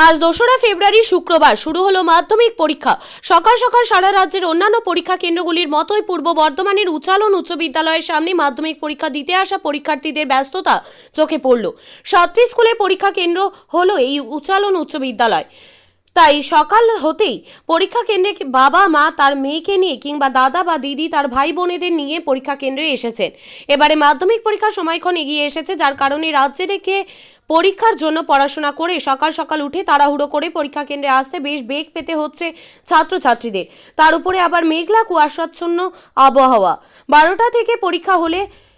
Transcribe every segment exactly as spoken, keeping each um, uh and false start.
আজ দোসরা ফেব্রুয়ারি শুক্রবার শুরু হলো মাধ্যমিক পরীক্ষা। সকাল সকাল সারা রাজ্যের অন্যান্য পরীক্ষা কেন্দ্রগুলির মতোই পূর্ব বর্ধমানের উচ্চালন উচ্চ বিদ্যালয়ের সামনে মাধ্যমিক পরীক্ষা দিতে আসা পরীক্ষার্থীদের ব্যস্ততা চোখে পড়ল। সাতটি স্কুলের পরীক্ষা কেন্দ্র হলো এই উচ্চালন উচ্চ বিদ্যালয়। তাই সকাল হতেই পরীক্ষা কেন্দ্রে বাবা মা তার মেয়েকে নিয়ে কিংবা দাদা বা দিদি তার ভাই বোনেদের নিয়ে পরীক্ষা কেন্দ্রে এসেছেন। এবারে মাধ্যমিক পরীক্ষার সময়ক্ষণ এগিয়ে এসেছে, যার কারণে রাজ্যে থেকে পরীক্ষার জন্য পড়াশোনা করে সকাল সকাল উঠে তাড়াহুড়ো করে পরীক্ষা কেন্দ্রে আসতে বেশ বেগ পেতে হচ্ছে ছাত্রছাত্রীদের। তার উপরে আবার মেঘলা কুয়াশাচ্ছন্ন আবহাওয়া। বারোটা থেকে পরীক্ষা হলে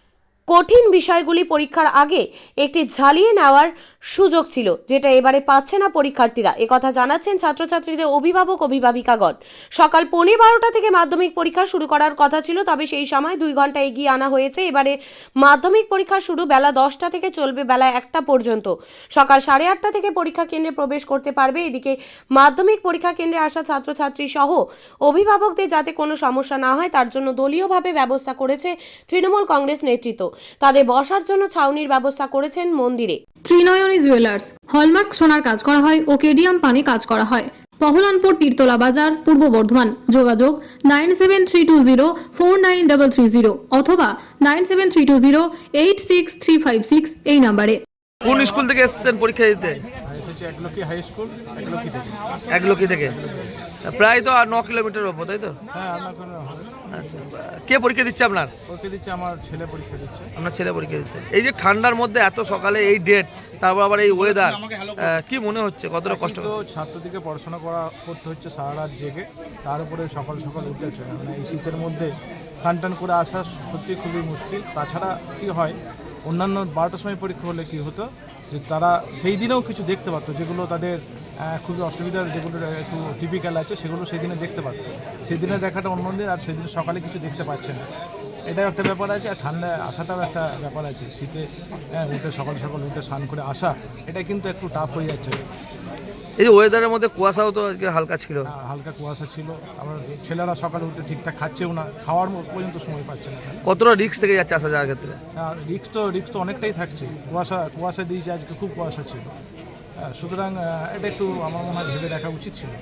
কঠিন বিষয়গুলি পরীক্ষার আগে একটি ঝালিয়ে নেওয়ার সুযোগ ছিল, যেটা এবারে পাচ্ছে না পরীক্ষার্থীরা। একথা জানাচ্ছেন ছাত্রছাত্রীদের অভিভাবক অভিভাবিকাগণ। সকাল পৌনে বারোটা থেকে মাধ্যমিক পরীক্ষা শুরু করার কথা ছিল, তবে সেই সময় দুই ঘন্টা এগিয়ে আনা হয়েছে। এবারে মাধ্যমিক পরীক্ষা শুরু বেলা দশটা থেকে চলবে বেলা একটা পর্যন্ত। সকাল সাড়ে আটটা থেকে পরীক্ষা কেন্দ্রে প্রবেশ করতে পারবে। এদিকে মাধ্যমিক পরীক্ষা কেন্দ্রে আসা ছাত্রছাত্রী সহ অভিভাবকদের যাতে কোনো সমস্যা না হয় তার জন্য দলীয়ভাবে ব্যবস্থা করেছে তৃণমূল কংগ্রেস নেতৃত্ব। তাদের বসার জন্য ছাউনির ব্যবস্থা করেছেন মন্দিরে। ত্রিনয়নী জুয়েলার্স হলমার্ক সোনার কাজ করা হয় ও কেডিয়াম পানি কাজ করা হয়। পহলানপুর তীরতলা বাজার, পূর্ব বর্ধমান। যোগাযোগ nine seven three two zero four nine double three zero অথবা nine seven three two zero eight six three five six এই নাম্বারে। কোন স্কুল থেকে এসেছেন পরীক্ষা দিতে? একলকি হাই স্কুল, একলকি থেকে। একলকি থেকে প্রায় তো ন কিলোমিটার ওপর, তাই তো? হ্যাঁ, আপনার হবে। আচ্ছা, কে পরীক্ষা দিচ্ছে আপনার? পরীক্ষা দিচ্ছে আমার ছেলে, পরীক্ষা দিচ্ছে। আপনার ছেলে পরীক্ষা দিচ্ছে। এই যে ঠান্ডার মধ্যে এত সকালে এই ডেট, তারপর আবার এই ওয়েদার, কি মনে হচ্ছে কতটা কষ্ট? তো ছাত্রদিকে পড়াশোনা করা করতে হচ্ছে সারা রাত জেগে, তার উপরে সকাল সকাল উঠেছে। মানে এই শীতের মধ্যে স্নান করে আসা সত্যি খুবই মুশকিল। তাছাড়া কি হয়, অন্যান্য বারোটার সময় পরীক্ষা হলে কি হতো যে তারা সেই দিনেও কিছু দেখতে পারতো, যেগুলো তাদের খুবই অসুবিধার, যেগুলো একটু টিপিক্যাল আছে সেগুলো সেই দিনে দেখতে পারতো। সেদিনে দেখাটা অন্য দিন, আর সেদিন সকালে কিছু দেখতে পাচ্ছে না। এটাও একটা ব্যাপার আছে। আর ঠান্ডায় আসাটাও একটা ব্যাপার আছে। শীতে হ্যাঁ উঠে সকাল সকাল উঠে স্নান করে আসা, এটা কিন্তু একটু টাফ হয়ে যাচ্ছে। এই যে ওয়েদারের মধ্যে কুয়াশাও তো আজকে হালকা ছিল। হালকা কুয়াশা ছিল। আমার ছেলেরা সকালে উঠে ঠিকঠাক খাচ্ছেও না, খাওয়ার পর্যন্ত সময় পাচ্ছে না। কতটা রিস্ক থেকে যাচ্ছে আসা যাওয়ার ক্ষেত্রে? আর রিস্ক তো রিস্ক তো অনেকটাই থাকছে। কুয়াশা কুয়াশা দিয়েছে, আজকে খুব কুয়াশা ছিল। হ্যাঁ, সুতরাং এটা একটু আমার মনে হয় ভেবে দেখা উচিত ছিল।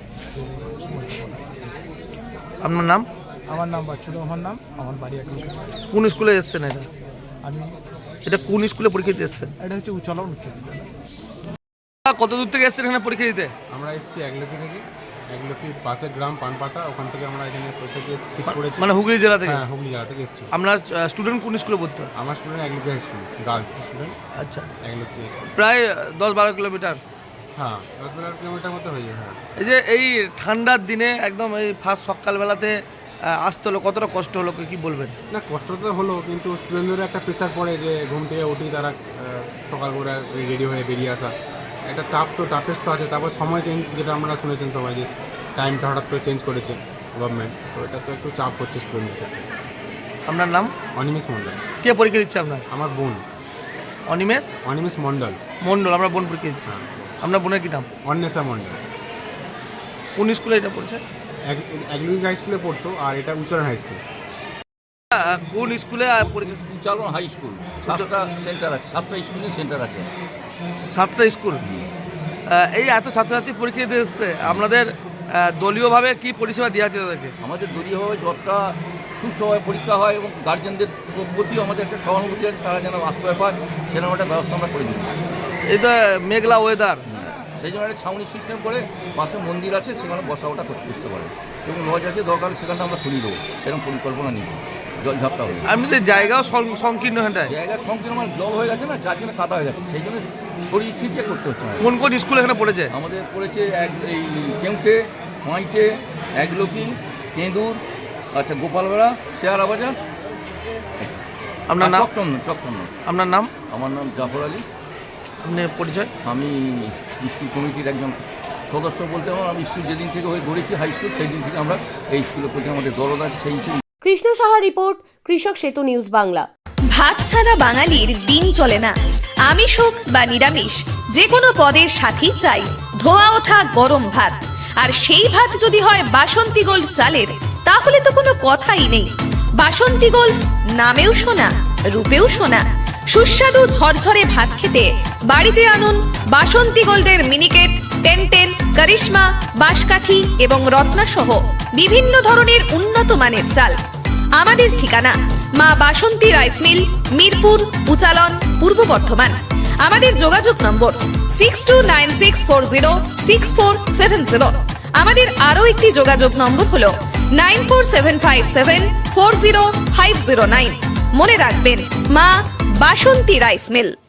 আপনার নাম? আমার নাম বাচ্চুর রহমান নাম, আমার বাড়ি এখন। কোন স্কুলে এসেছেন এটা? আমি এটা কোন স্কুলে পরীক্ষা দিতে এসেছেন? এটা হচ্ছে উচ্চালন উচ্চ বিদ্যালয়। কত দূর থেকে এসেছেন এখানে পরীক্ষা দিতে? আমরা এসেছি একলকি থেকে, একলকি পাশের গ্রাম পানপাতা, ওখান থেকে আমরা এখানে পরীক্ষা দিয়ে সিট করেছি। মানে হুগলি জেলা থেকে? হ্যাঁ, হুগলি জেলা থেকে এসেছি। আপনার স্টুডেন্ট কোন স্কুলে পড়তো? আমার student Eklakhi high school, girls student. আচ্ছা, একলকি প্রায় দশ বারো কিলোমিটার। হ্যাঁ, দশ বারো কিলোমিটার মতো হয়ে যায়। হ্যাঁ, এই যে এই ঠান্ডার দিনে একদম এই ফার্স্ট সকালবেলাতে আসতে হলো, কতটা কষ্ট হলো কি বলবেন? না, কষ্ট তো হলো, কিন্তু স্টুডেন্টদের একটা প্রেশার পড়ে যে ঘুম থেকে উঠেই তারা সকাল করে রেডি হয়ে বেরিয়ে আসা। একটা টাফ তো টাফেস্ট তো আছে। তারপর সময় চেঞ্জ, যেটা আপনারা শুনেছেন সবাই, যে টাইমটা হঠাৎ করে চেঞ্জ করেছে গভর্নমেন্ট, তো এটা তো একটু চাপ হচ্ছে স্টুডেন্টের ক্ষেত্রে। আপনার নাম? অনিমেষ মণ্ডল। কে পরীক্ষা দিচ্ছে আপনার? আমার বোন। অনিমেষ অনিমেষ মণ্ডল। মণ্ডল, আমরা বোন পরীক্ষা দিচ্ছি। আপনার বোনের কি নাম? অন্বেষা মণ্ডল। কোন স্কুলে এটা পড়ছে? একলকি হাই স্কুলে পড়তো, আর এটা উচ্চারণ হাই স্কুল। কোন স্কুলে পরীক্ষা? Uchalan high school. সাতটা সেন্টার আছে, সাতটা স্কুলে সেন্টার আছে। সাতটা স্কুল। এই এত ছাত্রছাত্রী পরীক্ষা দিতে এসছে, আপনাদের দলীয়ভাবে কি পরিষেবা দেওয়া আছে তাদেরকে? আমাদের দলীয়ভাবে যতটা সুষ্ঠুভাবে পরীক্ষা হয় এবং গার্জেনদের প্রতিও আমাদের একটা সহানুভূতি আছে, তারা যেন আশ্রয় পায় সেরকম একটা ব্যবস্থা আমরা করে দিচ্ছি। এটা মেঘলা ওয়েদার, সেই জন্য একটা ছাউনি সিস্টেম করে পাশে মন্দির আছে, সেখানে বসা ওটা করতে বুঝতে পারে। এবং লজ আছে, দরকার সেখানটা আমরা খুলে দেবো, এরকম পরিকল্পনা নিচ্ছি। জল ঝাপটা হয়ে আপনি তো জায়গাও সংকীর্ণ, হ্যাঁ জায়গার সংকীর্ণ মানে জল হয়ে গেছে না, যার জন্য কাদা হয়ে যাচ্ছে, সেই জন্য সরিয়ে ছিটিয়ে করতে হচ্ছে। কোন কোন স্কুল এখানে পড়েছে? আমাদের পড়েছে এক এই কেউটে, মাইটে, একলকি, কেঁদুর, আচ্ছা গোপালবেড়া, শেয়ারা বাজার। আপনার নাম? চকচন্দ। চকচন্দ। আপনার নাম? আমার নাম জাফর আলী। আপনি পরিচয়? আমি স্কুল কমিটির একজন সদস্য বলতে আমার। আমি স্কুল যেদিন থেকে হয়ে গড়েছি হাই স্কুল, সেই দিন থেকে আমরা এই স্কুলের প্রতি আমাদের দরদ আছে। সেই হিসেবে কৃষ্ণ সাহা রিপোর্ট, কৃষক সেতু নিউজ বাংলা। ভাত ছাড়া বাঙালির দিন চলে না। আমিষ হোক বা নিরামিষ, যে কোনো পদের সাথেই চাই ধোয়া ওঠা গরম ভাত। আর সেই ভাত যদি হয় বাসন্তী গোল্ড চালের, তাহলে তো কোনো কথাই নেই। বাসন্তী গোল্ড, নামেও শোনা, রূপেও শোনা। সুস্বাদু ঝরঝরে ভাত খেতে বাড়িতে আনুন বাসন্তী গোল্ডের মিনিকেট, টেন্টে করিশ্মা, বাঁশকাঠি এবং রত্না সহ বিভিন্ন ধরনের উন্নত মানের চাল। আমাদের ঠিকানা মা বাসন্তী রাইস মিল, মিরপুর, উচালন, পূর্ব বর্ধমান। আমাদের যোগাযোগ number six two nine six four zero six four seven zero. আমাদের আরও একটি যোগাযোগ নম্বর হলো nine four seven five seven four zero five zero nine. মনে রাখবেন, মা বাসন্তী রাইস মিল।